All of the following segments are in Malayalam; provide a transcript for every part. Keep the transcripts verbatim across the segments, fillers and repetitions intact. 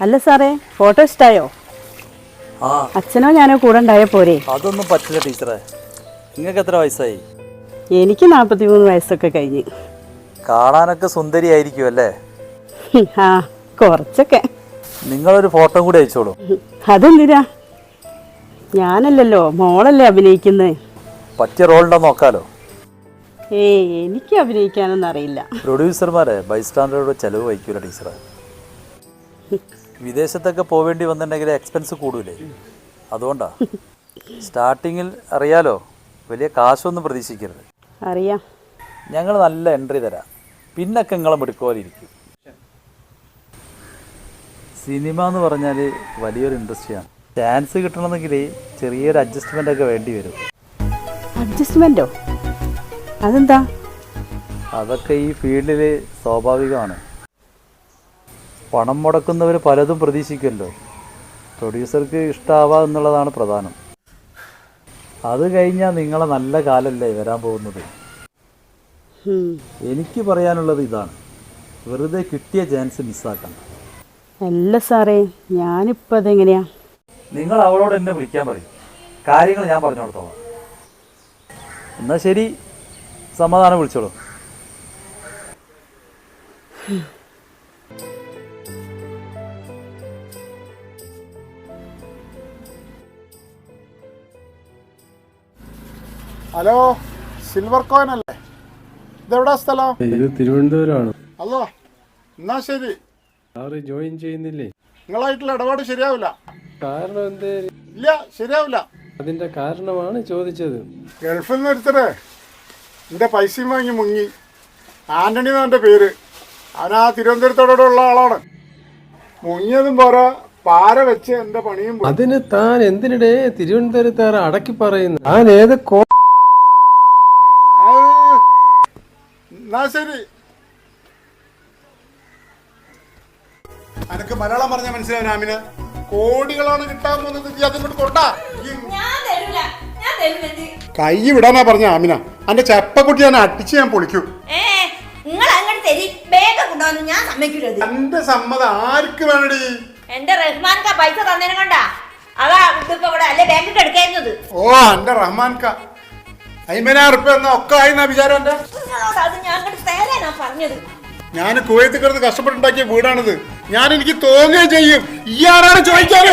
അല്ല സാറേ, ഫോട്ടോ ഇഷ്ടായോ? ആ, അച്ഛനോ ഞാനോ കൂടെ ഉണ്ടായ പോരെ? അതൊന്നും പറ്റില്ല ടീച്ചറെ. നിങ്ങൾക്ക് എത്ര വയസ്സായി? എനിക്ക് നാൽപ്പത്തി മൂന്ന് വയസ്സൊക്കെ കഴിഞ്ഞ്. കാണാനൊക്കെ സുന്ദരിയായിരിക്കും അല്ലേ? ആ, കുറച്ചൊക്കെ. നിങ്ങളൊരു ഫോട്ടോ കൂടി അയച്ചോളൂ. അതെന്തിനാ? ഞാനല്ലല്ലോ, മോളല്ലേ അഭിനയിക്കുന്നത്. പറ്റിയ റോളുണ്ടോ നോക്കാലോ. ഏയ്, എനിക്ക് അഭിനയിക്കാനൊന്നും അറിയില്ല. പ്രൊഡ്യൂസർമാരെ ബൈസ്റ്റാൻഡറുടെ ചിലവ് വഹിക്കൂല ടീച്ചറെ. വിദേശത്തൊക്കെ പോവേണ്ടി വന്നിട്ടുണ്ടെങ്കിൽ എക്സ്പെൻസ് കൂടൂലേ, അതുകൊണ്ടാ. സ്റ്റാർട്ടിങ്ങിൽ അറിയാലോ, വലിയ കാശൊന്നും പ്രതീക്ഷിക്കരുത്. അറിയാം. ഞങ്ങൾ നല്ല എൻട്രി തരാം, പിന്നൊക്കെ നിങ്ങളെ മിടുക്കോലിരിക്കും. സിനിമ എന്ന് പറഞ്ഞാൽ വലിയൊരു ഇൻഡസ്ട്രിയാണ്. ചാൻസ് കിട്ടണമെന്നെങ്കിൽ ചെറിയൊരു അഡ്ജസ്റ്റ്മെൻ്റ് ഒക്കെ വേണ്ടി വരും. അഡ്ജസ്റ്റ്മെൻറ്റോ? അതെന്താ? അതൊക്കെ ഈ ഫീൽഡിൽ സ്വാഭാവികമാണ്. പണം മുടക്കുന്നവർ പലതും പ്രതീക്ഷിക്കുമല്ലോ. പ്രൊഡ്യൂസർക്ക് ഇഷ്ടമാവുക എന്നുള്ളതാണ് പ്രധാനം. അത് കഴിഞ്ഞാൽ നിങ്ങളെ നല്ല കാലല്ലേ വരാൻ പോകുന്നത്. എനിക്ക് പറയാനുള്ളത് ഇതാണ്, വെറുതെ കിട്ടിയ ചാൻസ് മിസ്സാക്കണം. അല്ല സാറേ, ഞാനിപ്പോൾ അതെങ്ങനെയാ? നിങ്ങൾ അവളോട് എന്നെ വിളിക്കാൻ പറയും, കാര്യങ്ങൾ ഞാൻ പറഞ്ഞു കൊടുത്തോളാം. എന്നാൽ ശരി, സമാധാനം വിളിച്ചോളൂ. ഹലോ, സിൽവർ കോയിൻ അല്ലേ? ഇതെവിടാ സ്ഥലം? ഇത് തിരുവനന്തപുരമാണ്. അല്ലോ, എന്നാ ശരി. സാറ് ജോയിൻ ചെയ്യുന്നില്ലേ? നിങ്ങളായിട്ടുള്ള ഇടപാട് ശരിയാവില്ല. കാരണം എന്തേ? ഇല്ല, ശരിയാവില്ല. അതിന്റെ കാരണമാണ് ചോദിച്ചത്. ഗൾഫിൽ നിന്ന് ഒരുത്തരെ എൻ്റെ പൈസയും വാങ്ങി മുങ്ങി. ആന്റണി എന്നാണ് എൻ്റെ പേര്. അവൻ ആ തിരുവനന്തപുരത്തോടുള്ള ആളാണ്. മുങ്ങിയതും പോരാ, പാര വെച്ച് എൻ്റെ പണിയും പോയി. അതിന് താൻ എന്തിനിടെ തിരുവനന്തപുരത്താറ് അടക്കി പറയുന്നു? താൻ ഏത് കോ എന്നാ ശരി. അനക്ക് മലയാളം പറഞ്ഞാൽ മനസ്സിലാവും ആമിന. കോടികളാണ് കിട്ടാൻ പോകുന്നത്. അതിങ്ങോട്ട് കൊണ്ടാ കൈ വിടാനാ പറഞ്ഞ ആമിന. അന്റെ ചെപ്പക്കുട്ടി ഞാൻ അടിച്ച് ഞാൻ പൊളിക്കൂ. എന്റെ സമ്മതം ആർക്ക് വേണടി? എന്റെ റഹ്മാൻ കാ പൈസ തന്നേനെ കൊണ്ടാ. അതാ ഇതിപ്പോ ഇവിടെ അല്ലെ ബാങ്കിൽ എടുക്കുന്നത്. ഓ, എന്റെ റഹ്മാൻ കാ അയ്മ്പതിനായിരം റുപ്യ എന്നാ ഒക്കെ ആയിന്നാ വിചാരം. എന്റെ അത് ഞാൻ തരാനാ പറഞ്ഞത്. ഞാൻ കുവൈത്തിൽ കിടന്ന് കഷ്ടപ്പെട്ടുണ്ടാക്കിയ വീടാണിത്. ഞാൻ എനിക്ക് തോന്നുകയും ചെയ്യും. ഈ ആരാണ് ചോദിക്കാറ്?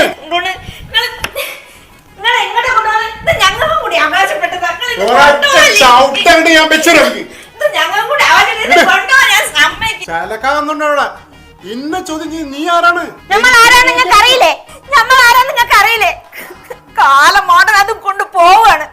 ചലക്കാന്നുണ്ടോ അവിടെ? ഇന്ന ചോദ്യം നീ ആരാണ്? നമ്മൾ ആരാന്ന് നിങ്ങൾക്ക് അറിയില്ലേ? നമ്മൾ ആരാന്ന് നിങ്ങൾക്ക് അറിയില്ലേ? കാലം മോഡൽ അതും കൊണ്ട് പോവാണ്.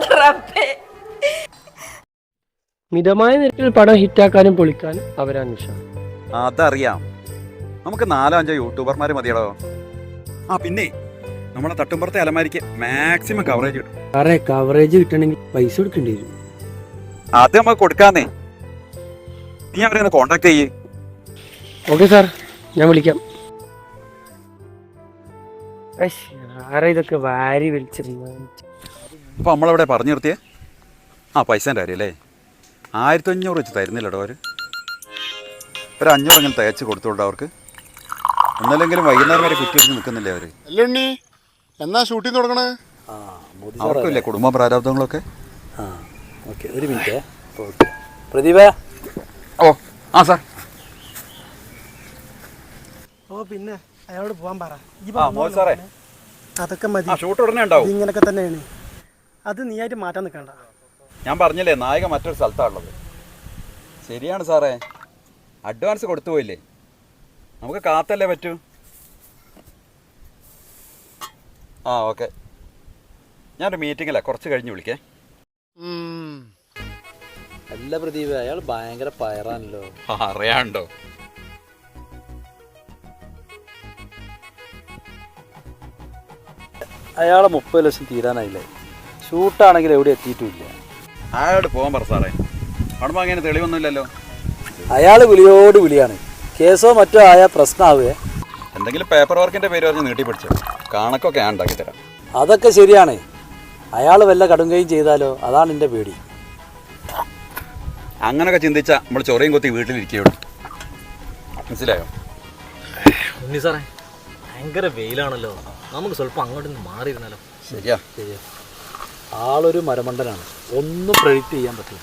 മിതമായ നിരക്കിൽ പടം ഹിറ്റാക്കാനും പൊളിക്കാനും അവരന്വേഷണം. അതറിയാം. നമുക്ക് നാലോ അഞ്ചോ യൂട്യൂബർമാർ മതിയടോ. ആ പിന്നെ നമ്മളെ തട്ടുമ്പുറത്തെ അലമാരിക്ക് മാക്സിമം കവറേജ് കിട്ടും. സാറേ, കവറേജ് കിട്ടണമെങ്കിൽ പൈസ കൊടുക്കേണ്ടി വരും. അത് നമുക്ക് കൊടുക്കാന്നേ. നീ അവരെ കോണ്ടാക്ട് ചെയ്യേ. ഓക്കെ സാർ, ഞാൻ വിളിക്കാം. ആരാ ഇതൊക്കെ വാരി വലിച്ചിരുന്നു? അപ്പോൾ നമ്മളവിടെ പറഞ്ഞു നിർത്തിയേ. ആ പൈസേൻ്റെ കാര്യമല്ലേ? ആയിരത്തി അഞ്ഞൂറ് വെച്ച് തരുന്നില്ലടോ അവർ. ഒരു അഞ്ഞൂറ് ഇങ്ങനെ തയ്ച്ച് കൊടുത്തോട്ടോ അവർക്ക്. ഒന്നല്ലെങ്കിലും വൈകുന്നേരം വരെ കുറ്റി വെച്ച് നിൽക്കുന്നില്ലേ അവർ? അല്ലുണ്ണി, എന്നാ ഷൂട്ടിങ് തുടങ്ങണേ? അവർക്കില്ലേ കുടുംബ പ്രാരാബ്ദങ്ങളൊക്കെ? ആ, ഓക്കെ, ഒരു മിനിറ്റ്. ഓക്കെ, പ്രദീപ. ഓ ആ സാർ. ഓ, പിന്നെ അയാളോട് പോകാൻ പറ. സാറേ, അതൊക്കെ മതി. ഷൂട്ട് ഉടനെ ഉണ്ടാവും. ഇങ്ങനൊക്കെ തന്നെയാണ്. അത് നീയായിട്ട് മാറ്റാൻ നിൽക്കണ്ട. ഞാൻ പറഞ്ഞില്ലേ, നായിക മറ്റൊരു സ്ഥലത്താണുള്ളത്. ശരിയാണ് സാറേ, അഡ്വാൻസ് കൊടുത്തു പോയില്ലേ? നമുക്ക് കാത്തല്ലേ പറ്റൂ. ആ ഓക്കെ, ഞാനൊരു മീറ്റിങ്ങില്ല, കുറച്ച് കഴിഞ്ഞ് വിളിക്കേ. അല്ല പ്രദീപ, അയാൾ ഭയങ്കര പയറാണല്ലോ. അറിയാണ്ടോ? അയാളെ മുപ്പത് ലക്ഷം തീരാനായില്ലേ? ഷൂട്ടാണെങ്കിൽ എവിടെ എത്തിയിട്ടുമില്ല. അയാളോട് പോകാൻ പറ സാറേ. അവിടെ അങ്ങനെ തെളിവൊന്നുമില്ലല്ലോ. അയാൾ വിളിയോട് വിളിയാണ്. കേസോ മറ്റോ ആയാൽ പ്രശ്നമാവേ. എന്തെങ്കിലും പേപ്പർ വർക്കിൻ്റെ പേര് പറഞ്ഞ് നീട്ടി പിടിച്ചോ. കണക്കൊക്കെ ഞാൻ ഉണ്ടാക്കി തരാം. അതൊക്കെ ശരിയാണ്. അയാൾ വല്ല കടുങ്കയും ചെയ്താലോ, അതാണ് എൻ്റെ പേടി. അങ്ങനൊക്കെ ചിന്തിച്ചാൽ നമ്മൾ ചൊറയും കൊത്തി വീട്ടിലിരിക്കുകയുള്ളൂ. മനസ്സിലായോ? ഉണ്ണി സാറേ, ഭയങ്കര വെയിലാണല്ലോ, നമുക്ക് സ്വല്പം അങ്ങോട്ട് മാറിയിരുന്നാലോ? ശരിയാ. ശരിയാ. ആളൊരു മരമണ്ടനാണ്, ഒന്നും പ്രെഡിക്റ്റ് ചെയ്യാൻ പറ്റില്ല.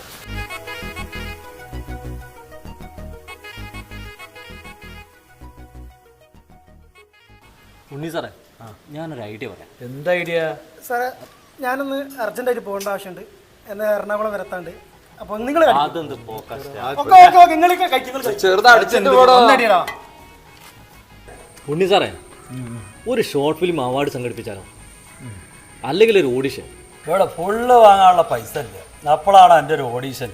ഉണ്ണി സാറേ, ഞാനൊരു ഐഡിയ പറയാം. എന്താ ഐഡിയ? സാറേ ഞാനൊന്ന് അർജൻറ്റായിട്ട് പോകേണ്ട ആവശ്യമുണ്ട്, എന്നാൽ എറണാകുളം വരത്താണ്ട്. അപ്പോൾ നിങ്ങൾ അതെന്ത് പോക്കസ് ഉണ്ണി സാറേ, ഒരു ഷോർട്ട് ഫിലിം അവാർഡ് സംഘടിപ്പിച്ചാലോ? അല്ലെങ്കിൽ ഒരു ഓഡിഷൻ? ഇവിടെ ഫുള്ള് വാങ്ങാനുള്ള പൈസ ഇല്ല, അപ്പോഴാണ് എൻ്റെ ഒരു ഓഡീഷൻ.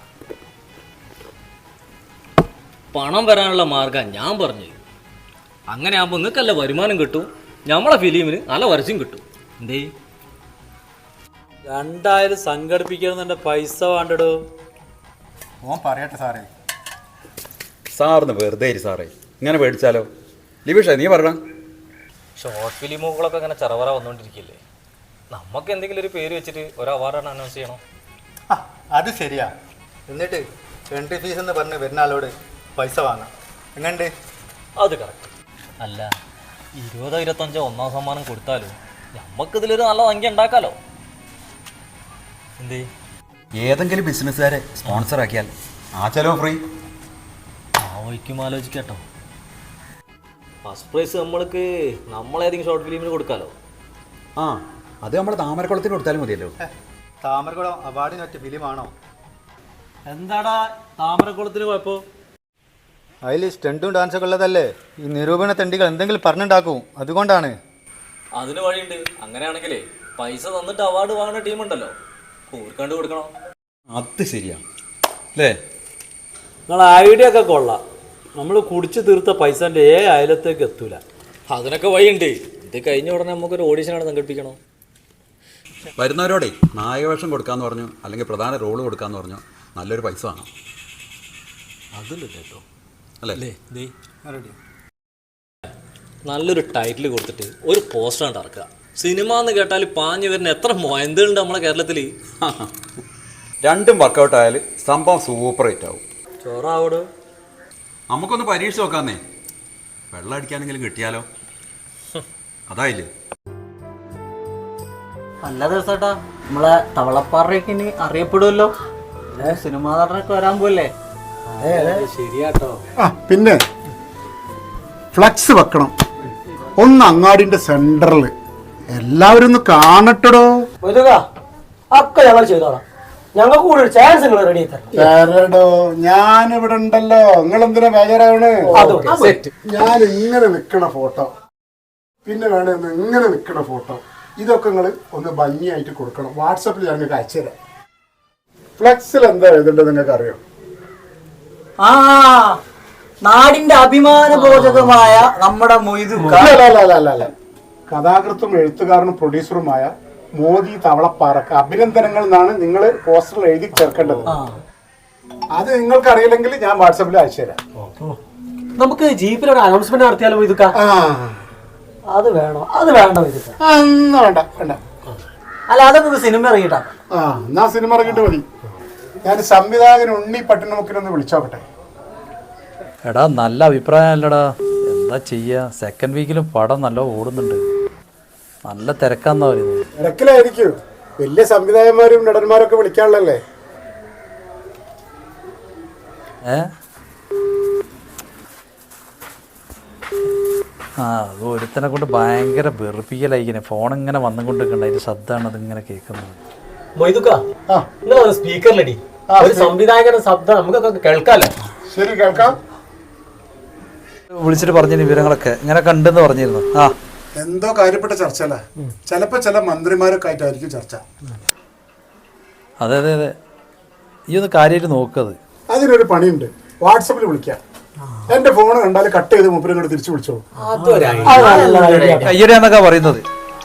പണം വരാനുള്ള മാർഗം ഞാൻ പറഞ്ഞു. അങ്ങനെ ആകുമ്പോൾ നിങ്ങൾക്ക് നല്ല വരുമാനം കിട്ടും, നമ്മളെ ഫിലിമിന് നല്ല വരച്ചും കിട്ടും. എന്തേ? രണ്ടായാലും സംഘടിപ്പിക്കണമെന്നെ പൈസ വേണ്ടടോ. ഓൻ പറയട്ടെ സാറേ. സാറിന് വെറുതെ ഇരി സാറേ, ഇങ്ങനെ പേടിച്ചാലോ? ലിബീഷ നീ പറയണം. ഷോർട്ട് ഫിലിമുകളൊക്കെ അങ്ങനെ ചെറവറ വന്നുകൊണ്ടിരിക്കില്ലേ, നമുക്ക് എന്തെങ്കിലും ഒരു പേര് വെച്ചിട്ട് ഒരു അവാർഡാണ് അനൗൺസ് ചെയ്യണം. ആ അത് ശരിയാ. എന്നിട്ട് എൻട്രി ഫീസ് എന്ന് പറഞ്ഞ് വരുന്ന ആളോട് പൈസ വാങ്ങാം. എങ്ങനെയുണ്ട്? അത് കറക്റ്റ്. അല്ല, ഇരുപതോ ഇരുപത്തഞ്ചോ ഒന്നാം സമ്മാനം കൊടുത്താലും നമുക്കിതിലൊരു നല്ല സംഖ്യ ഉണ്ടാക്കാലോ. എന്തേ? ഏതെങ്കിലും ബിസിനസ്സുകാരെ സ്പോൺസർ ആക്കിയാൽ ആ ചെലവ് ഫ്രീ. ആ വയ്ക്കും ആലോചിക്കാട്ടോ. ഫസ്റ്റ് പ്രൈസ് നമ്മൾക്ക് നമ്മളേതെങ്കിലും ഷോർട്ട് ഫിലിമിന് കൊടുക്കാലോ. ആ അത് നമ്മൾ താമരക്കുളത്തിന് കൊടുത്താലും മതിയല്ലോ. താമരക്കുളം അവാർഡിന് പറ്റിയ ഫിലിമാണോ? എന്താടാ താമരക്കുളത്തിന് കുഴപ്പം? അതിൽ സ്റ്റണ്ടും ഡാൻസൊക്കെ ഉള്ളതല്ലേ. ഈ നിരൂപണ തെണ്ടികൾ എന്തെങ്കിലും പറഞ്ഞുണ്ടാക്കും, അതുകൊണ്ടാണ്. അതിന് വഴിയുണ്ട്. അങ്ങനെയാണെങ്കിലേ പൈസ തന്നിട്ട് അവാർഡ് വാങ്ങുന്ന ടീമുണ്ടല്ലോ, കൂർക്കണ്ട് കൊടുക്കണം. അത് ശരിയാണ് അല്ലേ? നിങ്ങൾ ഐഡിയ ഒക്കെ കൊള്ളാം. നമ്മൾ കുടിച്ച് തീർത്ത പൈസൻ്റെ ഏ അയലത്തേക്ക് എത്തൂല. അതിനൊക്കെ വഴിയുണ്ട്. ഇത് കഴിഞ്ഞ ഉടനെ നമുക്കൊരു ഓഡീഷനാണ് സംഘടിപ്പിക്കണം. വരുന്നവരോടെ നായകവേഷം കൊടുക്കാന്ന് പറഞ്ഞു, അല്ലെങ്കിൽ പ്രധാന റോള് കൊടുക്കാന്ന് പറഞ്ഞു, നല്ലൊരു പൈസ വേണം. അതില്ല കേട്ടോ അല്ലേ? നല്ലൊരു ടൈറ്റിൽ കൊടുത്തിട്ട് ഒരു പോസ്റ്റർ കണ്ട് ഇറക്കുക. സിനിമ എന്ന് കേട്ടാൽ പാഞ്ഞു വരുന്ന എത്ര മൊയന്തുണ്ട് നമ്മളെ കേരളത്തിൽ. രണ്ടും വർക്കൗട്ട് ആയാൽ സംഭവം സൂപ്പർ ഹിറ്റ് ആവും. ചോറാവോട്. നമുക്കൊന്ന് പരീക്ഷ നോക്കാന്നേ. വെള്ളം അടിക്കാനെങ്കിലും കിട്ടിയാലോ? അതായില്ലേ? നല്ല ദിവസട്ടാ, നമ്മളെ തവളപ്പാറയൊക്കെ ഇനി അറിയപ്പെടുമല്ലോ. സിനിമാ നടനൊക്കെ വരാൻ പോലേ. ശരിയാട്ടോ. ആ പിന്നെ ഫ്ലക്സ് വെക്കണം ഒന്ന് അങ്ങാടിന്റെ സെന്ററിൽ, എല്ലാവരും ഒന്ന് കാണട്ടടോ. ഒക്കെ ഞങ്ങൾ ചെയ്തോളാം. ഞങ്ങൾക്ക് കൂടെ ഒരു ചാൻസ് നിങ്ങൾ റെഡി തരടോ, ഞാൻ ഇവിടെ ഉണ്ടല്ലോ. നിങ്ങൾ എന്തിനാ ബേജാറാവണ്? ഞാൻ ഇങ്ങനെ നിക്കണ ഫോട്ടോ, പിന്നെ വേണമെന്ന് ഇങ്ങനെ നിക്കണ ഫോട്ടോ, ഇതൊക്കെ നിങ്ങൾ ഒന്ന് ഭംഗിയായിട്ട് കൊടുക്കണം. വാട്സപ്പിൽ ഞാൻ നിങ്ങൾക്ക് അയച്ചുതരാം. ഫ്ലെക്സിൽ എന്താ എഴുതേണ്ടത് നിങ്ങൾക്ക് അറിയോ? ആ നാടിന്റെ അഭിമാന ബോധകമായ നമ്മുടെ മൊയ്തു അല്ല, കഥാകൃത്തും എഴുത്തുകാരനും പ്രൊഡ്യൂസറുമായ മോദി തവളപ്പാറക്ക് അഭിനന്ദനങ്ങൾ എന്നാണ് നിങ്ങൾ പോസ്റ്ററിൽ എഴുതി ചേർക്കേണ്ടത്. അത് നിങ്ങൾക്ക് അറിയില്ലെങ്കിൽ ഞാൻ വാട്സപ്പിൽ അയച്ചു തരാം. നമുക്ക് ജീപ്പിലൊരു അനൗൺസ്മെന്റ് നടത്തിയാലോ ഇതൊക്കെ? അത് വേണോ? അത് വേണ്ടോ ഇതൊക്കെ? വേണ്ട വേണ്ട. അല്ല, അതൊക്കെ സിനിമ ഇറങ്ങിയിട്ടാ. ആ എന്നാ സിനിമ ഇറങ്ങിയിട്ട് മതി. ഞാൻ സംവിധായകൻ ഉണ്ണി പട്ടണമുക്കിനൊന്ന് വിളിച്ചോക്കട്ടെ. എടാ നല്ല അഭിപ്രായം അല്ലടാ, എന്താ ചെയ്യുക? സെക്കൻഡ് വീക്കിലും പടം നല്ല ഓടുന്നുണ്ട്, നല്ല തിരക്കാന്നാ പറയുന്നത്. തിരക്കിലായിരിക്കും, വലിയ സംവിധായകന്മാരും നടന്മാരൊക്കെ വിളിക്കാനുള്ളല്ലേ. ഏ ആ അത് ഒരുത്തനെ കൊണ്ട് ഭയങ്കര വെറുപ്പിക്കലായിക്കണേ. ഫോൺ ഇങ്ങനെ വന്നുകൊണ്ടിരിക്കണ്ട, അതിന്റെ ശബ്ദമാണ് അതിങ്ങനെ കേൾക്കുന്നത്. സ്പീക്കറിലടി ഒരു സംവിധായകന്റെ ശബ്ദം നമുക്കൊക്കെ കേൾക്കാലോ. ശരി, കേൾക്കാം. വിളിച്ചിട്ട് പറഞ്ഞിരുന്നു വിവരങ്ങളൊക്കെ ഇങ്ങനെ കണ്ടെന്ന് പറഞ്ഞിരുന്നു. ആ എന്തോ കാര്യപ്പെട്ട ചർച്ച അല്ലേ? ചിലപ്പോ ചില മന്ത്രിമാരൊക്കെ ആയിട്ടായിരിക്കും ചർച്ച. അതെ അതെ അതെ, ഈ ഒന്ന് കാര്യമായിട്ട് നോക്കത്. അതിനൊരു പണിയുണ്ട്, വാട്സപ്പിൽ വിളിക്കാം. എന്റെ ഫോൺ കണ്ടാൽ കട്ട് ചെയ്ത് മൂപ്പരും കൂടെ തിരിച്ചു വിളിച്ചോളൂ. കയ്യടിയാന്നൊക്കെ പറയുന്നത്.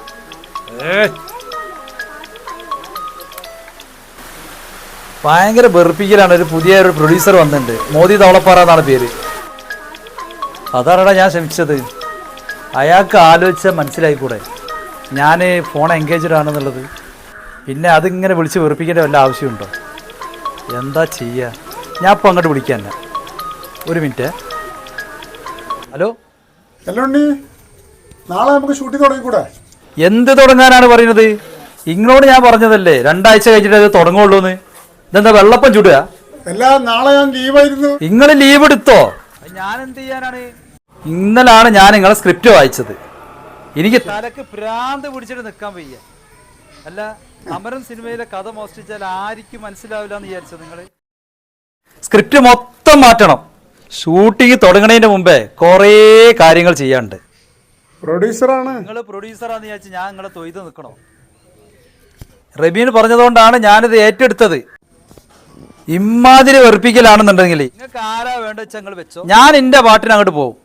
ഭയങ്കര വെറുപ്പിക്കലാണ്. ഒരു പുതിയ ഒരു പ്രൊഡ്യൂസർ വന്നിട്ടുണ്ട്, മോദി തവളപ്പാറ എന്നാണ് പേര്. അതാണടാ ഞാൻ ശ്രമിച്ചത്. അയാൾക്ക് ആലോചിച്ചാൽ മനസ്സിലായിക്കൂടെ ഞാൻ ഫോൺ എൻഗേജ്ഡ് ആണെന്നുള്ളത്? പിന്നെ അതിങ്ങനെ വിളിച്ച് വെറുപ്പിക്കേണ്ട വല്ല ആവശ്യമുണ്ടോ? എന്താ ചെയ്യുക? ഞാൻ ഇപ്പോൾ അങ്ങോട്ട് വിളിക്കാൻ തന്നെ. ഒരു മിനിറ്റ്. ഹലോ ഹലോ ഉണ്ണി, നാളെ നമുക്ക് ഷൂട്ടിംഗ് തുടങ്ങിക്കൂടെ? എന്ത് തുടങ്ങാനാണ് പറയുന്നത്? ഇങ്ങളോട് ഞാൻ പറഞ്ഞതല്ലേ രണ്ടാഴ്ച കഴിഞ്ഞിട്ട് അത് തുടങ്ങുള്ളൂന്ന്. ഇതെന്താ വെള്ളപ്പം ചുടുക? എല്ലാം നാളെ ഞാൻ ലീവായിരുന്നു. നിങ്ങൾ ലീവ് എടുത്തോ? ഞാൻ എന്ത് ചെയ്യാനാണ്? ഇന്നലാണ് ഞാൻ നിങ്ങളെ സ്ക്രിപ്റ്റ് വായിച്ചത്. എനിക്ക് തലക്ക് ഭ്രാന്ത് പിടിച്ചിട്ട് നിൽക്കാൻ വയ്യ. അല്ല, അമരൻ സിനിമയിലെ കഥ മോഷ്ടിച്ചാൽ ആർക്കും മനസ്സിലാവില്ല എന്ന് വിചാരിച്ചത് നിങ്ങൾ? സ്ക്രിപ്റ്റ് മൊത്തം മാറ്റണം. ഷൂട്ടിങ് തുടങ്ങണതിന് മുമ്പേ കുറേ കാര്യങ്ങൾ ചെയ്യാനുണ്ട്. പ്രൊഡ്യൂസറാണ് നിങ്ങൾ. പ്രൊഡ്യൂസറാന്ന് വിചാരിച്ച് ഞാൻ നിങ്ങളെ തൊയ്ത് നിൽക്കണോ? റബീൻ പറഞ്ഞതുകൊണ്ടാണ് ഞാനിത് ഏറ്റെടുത്തത്. ഇമ്മാതിരി വെറുപ്പിക്കലാണെന്നുണ്ടെങ്കിൽ നിങ്ങൾക്ക് ആരാ വേണ്ട വെച്ചാൽ നിങ്ങൾ വെച്ചോ. ഞാൻ എന്റെ പാട്ടിന് അങ്ങോട്ട് പോകും.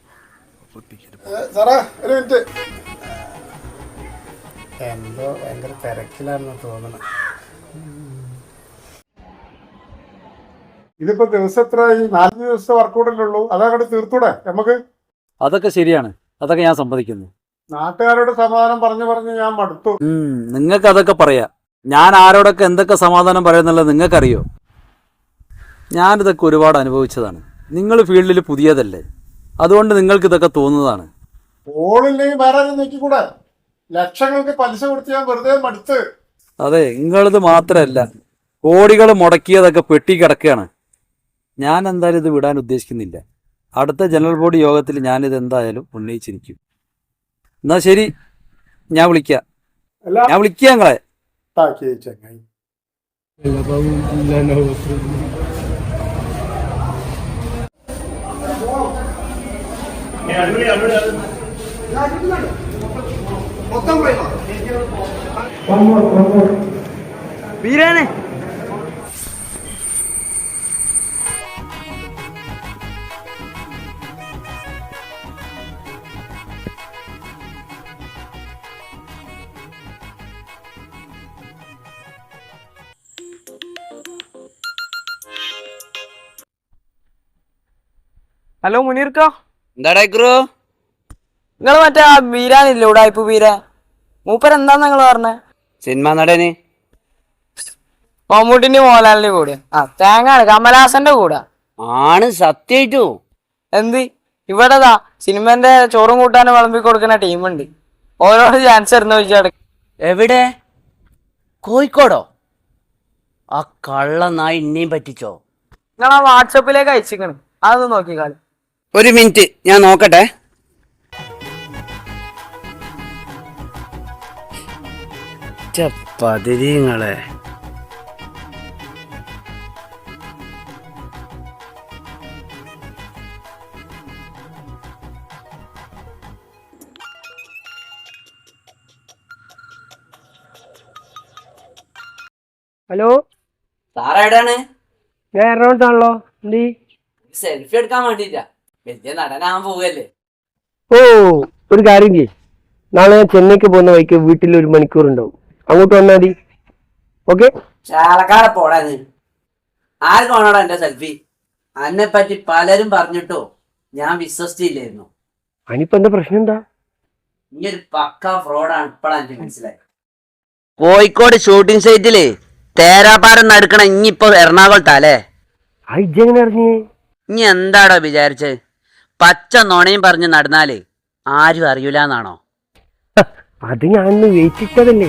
സാറേ ഒരു മിനിറ്റ്. എന്തോ ഭയങ്കര തിരക്കിലാണെന്ന് തോന്നണം. ഇതിപ്പോ ദിവസം എത്ര? നാലഞ്ച് ദിവസത്തെ വർക്കൗട്ടല്ലേ ഉള്ളൂ. അതങ്ങോട്ട് തീർത്തൂടെ നമുക്ക്? അതൊക്കെ ശരിയാണ്, അതൊക്കെ ഞാൻ സമ്മതിക്കുന്നു. നാട്ടുകാരോട് സമാധാനം പറഞ്ഞു പറഞ്ഞ് ഞാൻ മടുത്തു. നിങ്ങൾക്ക് അതൊക്കെ പറയാം. ഞാൻ ആരോടൊക്കെ എന്തൊക്കെ സമാധാനം പറയുന്നുള്ളത് നിങ്ങൾക്കറിയോ? ഞാനിതൊക്കെ ഒരുപാട് അനുഭവിച്ചതാണ്. നിങ്ങൾ ഫീൽഡിൽ പുതിയതല്ലേ, അതുകൊണ്ട് നിങ്ങൾക്ക് ഇതൊക്കെ തോന്നുന്നതാണ്. ഓളില്ലെങ്കിൽ വേറെ നോക്കിക്കൂടെ? ലക്ഷങ്ങൾക്ക് പലിശ കൊടുത്ത് ഞാൻ വെറുതെ മടുത്ത്. അതെ, നിങ്ങളത് മാത്രമല്ല, കോടികൾ മുടക്കിയതൊക്കെ പെട്ടി കിടക്കുകയാണ്. ഞാൻ എന്തായാലും ഇത് വിടാൻ ഉദ്ദേശിക്കുന്നില്ല. അടുത്ത ജനറൽ ബോഡി യോഗത്തിൽ ഞാനിത് എന്തായാലും ഉന്നയിച്ചിരിക്കും. എന്നാ ശരി, ഞാൻ വിളിക്കാം. ഞാൻ വിളിക്കാം നിങ്ങളെ. ചങ്ങായി വീരാനെ ഹലോ മുനീർക്ക, എന്താടാ നിങ്ങൾ മറ്റേ ആ ബീരാനില്ലേ ഉടായ്പ ബീര? മൂപ്പർ എന്താന്ന് നിങ്ങൾ പറഞ്ഞേ? സിനിമ നടന് മമ്മൂട്ടിന്റെ മോഹൻലാലിന്റെ കൂടെ. ആ തേങ്ങാണ് കമലഹാസന്റെ കൂടെ ആണ്. സത്യായിട്ടു എന്ത് ഇവിടെതാ സിനിമന്റെ ചോറും കൂട്ടാനും വിളമ്പി കൊടുക്കുന്ന ടീമുണ്ട്. ഓരോട് ചാൻസ് തരുന്ന ചോദിച്ചാൽ എവിടെ? കോഴിക്കോടോ? ആ കള്ള നായി ഇന്നെയും പറ്റിച്ചോ? നിങ്ങൾ ആ വാട്സപ്പിലേക്ക് അയച്ചിക്കണ്, അതൊന്ന് നോക്കിക്കാളി. ഒരു മിനിറ്റ് ഞാൻ നോക്കട്ടെ. പതിരിങ്ങളെ ഹലോ സാറേടാണ്? ഞാൻ എറണാകുളത്താണല്ലോ. എന്ത്? സെൽഫി എടുക്കാൻ വേണ്ടിട്ടാ. വലിയ നടനാൻ പോകല്ലേ? ഓ, ഒരു കാര്യം ചെയ്യ്, നാളെ ഞാൻ ചെന്നൈക്ക് പോകുന്ന വഴിക്ക് വീട്ടിൽ ഒരു മണിക്കൂർ ഉണ്ടാവും, അങ്ങോട്ട് വന്നാൽ മതി. ഓക്കെ? ചാലക്കാട് പോടാന്ന്. ആർക്കാണോടാ എന്റെ സെൽഫി? അന്നെ പറ്റി പലരും പറഞ്ഞിട്ടോ ഞാൻ വിശ്വസിച്ചില്ലായിരുന്നു. അതിനിപ്പോ എന്താ പ്രശ്നം? എന്താ ഈ ഒരു പക്ക ഫ്രോഡാണ് ഇപ്പഴാ എനിക്ക് മനസ്സിലായി. കോഴിക്കോട് ഷൂട്ടിംഗ് സൈറ്റില് തേരാപ്പാരം നടക്കണ ഇനിയിപ്പോ എറണാകുളത്താലേ? ഇജ്ജെങ്ങനെ അറിഞ്ഞേ? ഇനി എന്താടോ വിചാരിച്ചത്? പച്ച നുണയും പറഞ്ഞ് നടന്നാല് ആരും അറിയൂലെന്നാണോ? അത് ഞാൻ വെയിറ്റ് ഇട്ടതല്ലേ.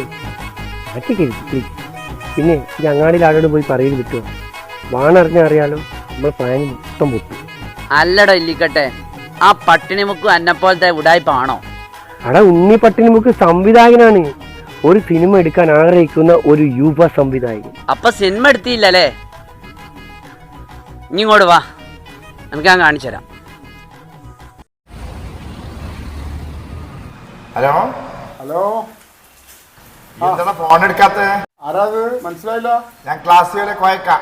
പിന്നെ ഈ അങ്ങാടിയിൽ ആളോട് പോയി പറയൽ കിട്ടുമോ? വാണറിഞ്ഞ അറിയാലോ, നമ്മൾ പ്ലാൻ മൊത്തം പൊട്ടും. അല്ലടോ ഇല്ലിക്കട്ടെ, ആ പട്ടിണിമുക്ക് അന്നെപ്പോലത്തെ ഉടായ്പാണോ? അടാ ഉണ്ണി പട്ടിണിമുക്ക് സംവിധായകനാണ്. ഒരു സിനിമ എടുക്കാൻ ആഗ്രഹിക്കുന്ന ഒരു യുവ സംവിധായകൻ. അപ്പൊ സിനിമ എടുത്തില്ലല്ലേ? ഇനി ഇങ്ങോട്ട് വാ, നമുക്ക് ഞാൻ കാണിച്ചു തരാം. ഹലോ ഹലോ, എന്താണ് ഫോൺ എടുക്കാത്ത? ആരാത്? മനസ്സിലായില്ല. ഞാൻ ക്ലാസ്സിലെ കോയക്ക.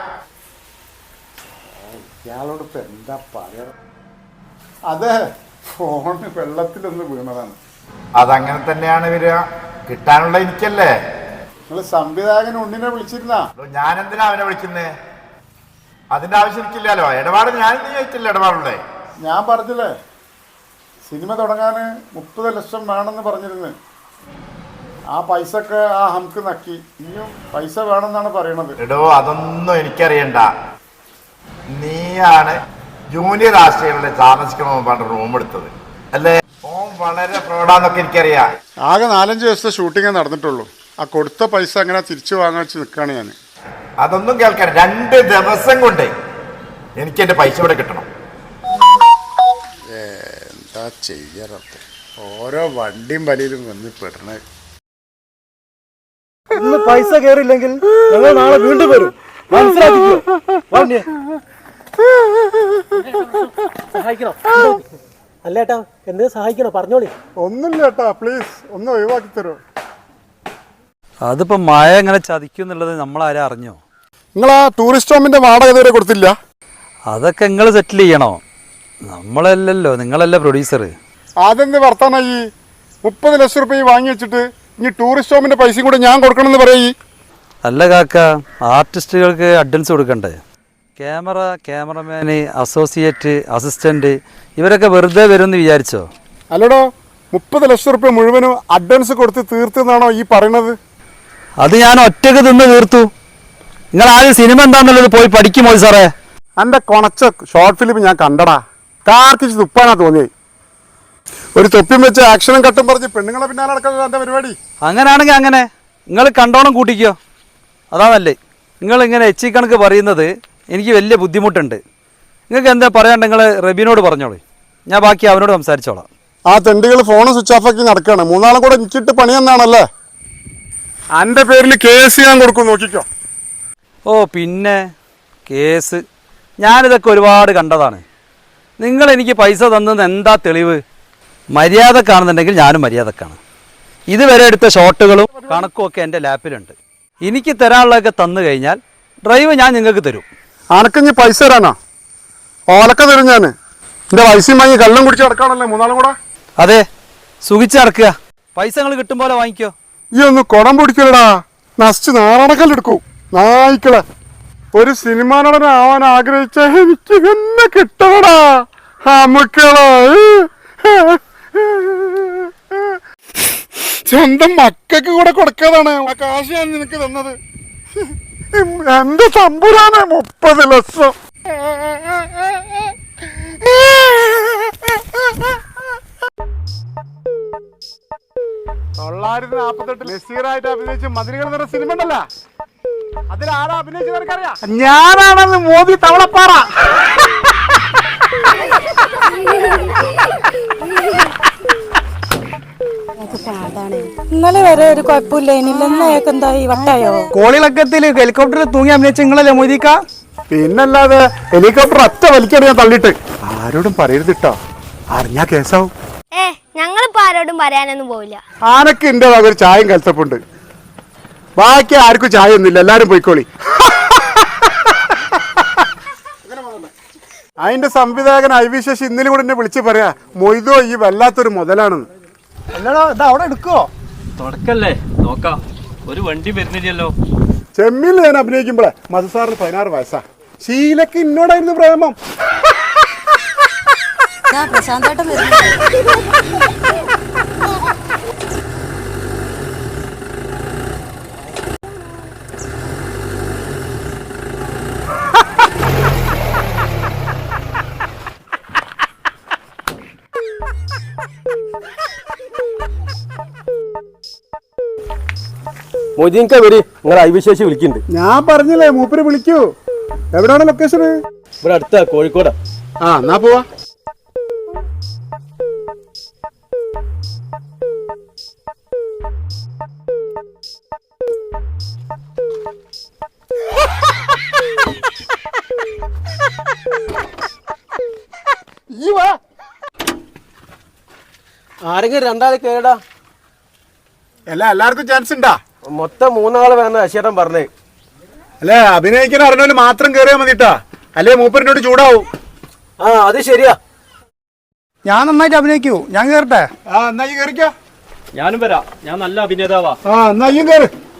ഇയാളോട് ഇപ്പൊ എന്താ പറയാ? അതെ, ഫോണ് വെള്ളത്തിലൊന്ന് വീണതാണ്. അതങ്ങനെ തന്നെയാണ് വരിക. കിട്ടാനുള്ള എനിക്കല്ലേ. നിങ്ങൾ സംവിധായകൻ ഉണ്ണിനെ വിളിച്ചിരുന്ന? ഞാൻ എന്തിനാ അവനെ വിളിക്കുന്നേ? അതിന്റെ ആവശ്യം എനിക്കില്ലല്ലോ. ഇടപാട് ഞാൻ നീ ആയിട്ടില്ല ഇടപാടുള്ളേ. ഞാൻ പറഞ്ഞില്ലേ സിനിമ തുടങ്ങാൻ മുപ്പത് ലക്ഷം വേണമെന്ന് പറഞ്ഞിരുന്നു. ആ പൈസ ഒക്കെ ആ ഹംക്ക് നക്കി. ഇനിയും പൈസ വേണമെന്നാണ് പറയണത്. എടോ അതൊന്നും എനിക്കറിയണ്ട. നീയാണ് ജൂനിയർ ആശയങ്ങളുടെ താമസിക്കണമെന്ന് പറഞ്ഞ റൂം എടുത്തത്. അല്ലേ? ഓൻ വളരെ പ്രൗഢാന്നൊക്കെ എനിക്കറിയാം. ആകെ നാലഞ്ച് ദിവസത്തെ ഷൂട്ടിങ്ങേ നടന്നിട്ടുള്ളൂ. ആ കൊടുത്ത പൈസ അങ്ങനെ തിരിച്ചു വാങ്ങാൻ വെച്ച് നിൽക്കുകയാണ് ഞാൻ. അതൊന്നും കേൾക്കാൻ രണ്ട് ദിവസം കൊണ്ട് എനിക്ക് എന്റെ പൈസ ഇവിടെ കിട്ടണം. എന്താ ചെയ്യാറത്ത് ഓരോ വണ്ടിയും വലിയിലും വന്ന് പെടണേ. ഇന്ന് പൈസ കയറിയില്ലെങ്കിൽ ഞങ്ങൾ നാളെ വീണ്ടും വരും, മനസ്സിലാക്കിക്കോ. സഹായിക്കണോ? അല്ലേട്ടാ, എന്ത് സഹായിക്കണോ? പറഞ്ഞോളി. ഒന്നുമില്ല ഏട്ടാ, പ്ലീസ് ഒന്ന് ഒഴിവാക്കി തരുമോ? അതിപ്പോൾ മഴ എങ്ങനെ ചതിക്കും എന്നുള്ളത് നമ്മളാരും അറിഞ്ഞോ? നിങ്ങൾ ആ ടൂറിസ്റ്റ് ഹോമിന്റെ വാടക ഇതുവരെ കൊടുത്തില്ല? അതൊക്കെ നിങ്ങൾ സെറ്റിൽ ചെയ്യണോ? നമ്മളല്ലല്ലോ, നിങ്ങളല്ലേ പ്രൊഡ്യൂസർ. അതെന്ത് വർത്താനായി? മുപ്പത് ലക്ഷം റുപ്യ വാങ്ങി വെച്ചിട്ട് ഇനി ടൂറിസ്റ്റ് ഹോമിന്റെ പൈസയും കൂടെ ഞാൻ കൊടുക്കണമെന്ന് പറയൂ. അല്ല കാക്ക, ആർട്ടിസ്റ്റുകൾക്ക് അഡ്വാൻസ് കൊടുക്കണ്ടേ? ക്യാമറ, ക്യാമറമാന്, അസോസിയേറ്റ്, അസിസ്റ്റന്റ് ഇവരൊക്കെ വെറുതെ വരുമെന്ന് വിചാരിച്ചോ? അല്ലടോ, മുപ്പത് ലക്ഷം റുപ്യ മുഴുവനും അഡ്വാൻസ് കൊടുത്ത് തീർത്തെന്നാണോ ഈ പറയണത്? അത് ഞാൻ ഒറ്റക്ക് തിന്ന് തീർത്തു. നിങ്ങൾ ആദ്യം സിനിമ എന്താണെന്നുള്ളത് പോയി പഠിക്കുമോ സാറേ? എൻ്റെ കൊണച്ച ഷോർട്ട് ഫിലിം ഞാൻ കണ്ടടാ, കാർക്കിച്ച് തുപ്പാനാ തോന്നിയത്. ഒരു തൊപ്പിയും വെച്ച് ആക്ഷനും കട്ടും പറഞ്ഞ് പെണ്ണുങ്ങളെ പിന്നാലെ നടക്കുന്നത് എൻ്റെ പരിപാടി. അങ്ങനെയാണെങ്കിൽ അങ്ങനെ നിങ്ങൾ കണ്ടോണം കൂട്ടിക്കോ, അതാ നല്ലേ. നിങ്ങളിങ്ങനെ എച്ചി കണക്ക് പറയുന്നത് എനിക്ക് വലിയ ബുദ്ധിമുട്ടുണ്ട്. നിങ്ങൾക്ക് എന്താ പറയാണ്ട് നിങ്ങൾ റബീനോട് പറഞ്ഞോളൂ, ഞാൻ ബാക്കി അവനോട് സംസാരിച്ചോളാം. ആ തെണ്ടികൾ ഫോൺ സ്വിച്ച് ഓഫ് ആക്കി നടക്കുകയാണ്. മൂന്നാളും കൂടെ എനിക്കിട്ട് പണിയെന്നാണല്ലേ? എൻ്റെ പേരിൽ കേസ് ഞാൻ കൊടുക്കും, നോക്കിക്കോ. ഓ പിന്നെ കേസ്, ഞാനിതൊക്കെ ഒരുപാട് കണ്ടതാണ്. നിങ്ങൾ എനിക്ക് പൈസ തന്നത് എന്താ തെളിവ്? മര്യാദ കാണുന്നുണ്ടെങ്കിൽ ഞാനും മര്യാദക്കാണ്. ഇതുവരെ എടുത്ത ഷോട്ടുകളും കണക്കും ഒക്കെ എൻ്റെ ലാപ്പിലുണ്ട്. എനിക്ക് തരാനുള്ളതൊക്കെ തന്നു കഴിഞ്ഞാൽ ഡ്രൈവ് ഞാൻ നിങ്ങൾക്ക് തരും. അനക്കഞ്ഞ് പൈസ തരാനാ? ഓലക്ക തരും ഞാൻ. എൻ്റെ പൈസയും വാങ്ങി കള്ളം കുടിച്ച് നടക്കാണല്ലേ മൂന്നാളും കൂടെ? അതെ, സുഖിച്ച് നടക്കുക. പൈസ നിങ്ങൾ കിട്ടും പോലെ വാങ്ങിക്കോ. ഈ ഒന്ന് കുടം പിടിക്കലടാ, നശിച്ച് നാടകല്ലെടുക്കൂ നായിക്കളെ. ഒരു സിനിമാ നടനാവാൻ ആഗ്രഹിച്ച എനിക്ക് തന്നെ കിട്ടണടാ അമുക്കളെ. സ്വന്തം മക്കൾക്ക് കൂടെ കൊടുക്കാതാണ് ആ കാശ് ഞാൻ നിനക്ക് തന്നത്. എന്റെ തമ്പുരാനെ, മുപ്പത് ലക്ഷം. തൊള്ളായിരത്തി നാപ്പത്തെട്ട് നസീറായിട്ട് അഭിനയിച്ച മതിലുകൾ നിറ സിനിമ ഉണ്ടല്ല, അതിലാരാ അഭിനയിച്ചത് എനിക്കറിയാം. ഞാനാണെന്ന് മോദി തവളപ്പാറ. ഇന്നലെ വരെ ഒരു കുഴപ്പമില്ല, ഇന്നേക്ക് എന്തായി വട്ടായോ? കോളിളക്കത്തിൽ ഹെലികോപ്റ്ററിൽ തൂങ്ങി അഭിനയിച്ച നിങ്ങളല്ലേ മോദിക്ക? പിന്നല്ലാതെ ഹെലികോപ്റ്റർ ഒറ്റ വലിക്കടി ഞാൻ തള്ളിട്ട്. ആരോടും പറയരുതിട്ടോ, അറിഞ്ഞാ കേസാവും. ഏ ഞങ്ങളിപ്പോ ആരോടും പറയാനൊന്നും പോവില്ല. ആനക്ക് എന്റെ വക ഒരു ചായയും കലത്തപ്പുണ്ട്, ബാക്കി ആർക്കും ചായ ഒന്നുമില്ല, എല്ലാരും പോയിക്കോളി. അതിന്റെ സംവിധായകൻ ഐ വി ശശി ഇന്നലെ കൂടെ എന്നെ വിളിച്ച് പറയാ, മൊയ്തോ ഈ വല്ലാത്തൊരു മുതലാണെന്ന്. അല്ലടോ, ഇത് അവിടെ എടുക്കോ? തുടക്കല്ലേ, നോക്കാം. ഒരു വണ്ടി വരുന്നില്ലല്ലോ. ചെമ്മീൽ ഞാൻ അഭിനയിക്കുമ്പോഴേ മധുസാറിന് പതിനാറ് വയസ്സാ. ശീലക്ക് ഇന്നോടായിരുന്നു പ്രേമം. പ്രശാന്തേട്ടൻ മൊയ്തീൻക വരി, നിങ്ങൾ ഐവിശേഷി വിളിക്കുന്നുണ്ട്. ഞാൻ പറഞ്ഞില്ലേ മൂപ്പര് വിളിക്കൂ. എവിടെയാണ് ലൊക്കേഷൻ? ഇവിടെ അടുത്ത കോഴിക്കോട്. ആ എന്നാ പോവാ. ആരെങ്കിലും രണ്ടാളെ കേടാ? അല്ല എല്ലാവർക്കും ചാൻസ് ഉണ്ടാ? മൊത്തം മൂന്നാള് വേണം അശേരം പറഞ്ഞേ. അല്ലെ അഭിനയിക്കാൻ അറിഞ്ഞാലും മാത്രം കേറിയാൽ മതിട്ടാ, അല്ലേ മൂപ്പരിനോട് ചൂടാവും. ആ അത് ശരിയാ. ഞാൻ നന്നായിട്ട് അഭിനയിക്കൂ, ഞാൻ കേറട്ടെ? ആ എന്നാ ഈ കേറിക്കോ. ഞാനും വരാം, ഞാൻ നല്ല അഭിനേതാവാ. ആ എന്നാ ഈ കേറ്.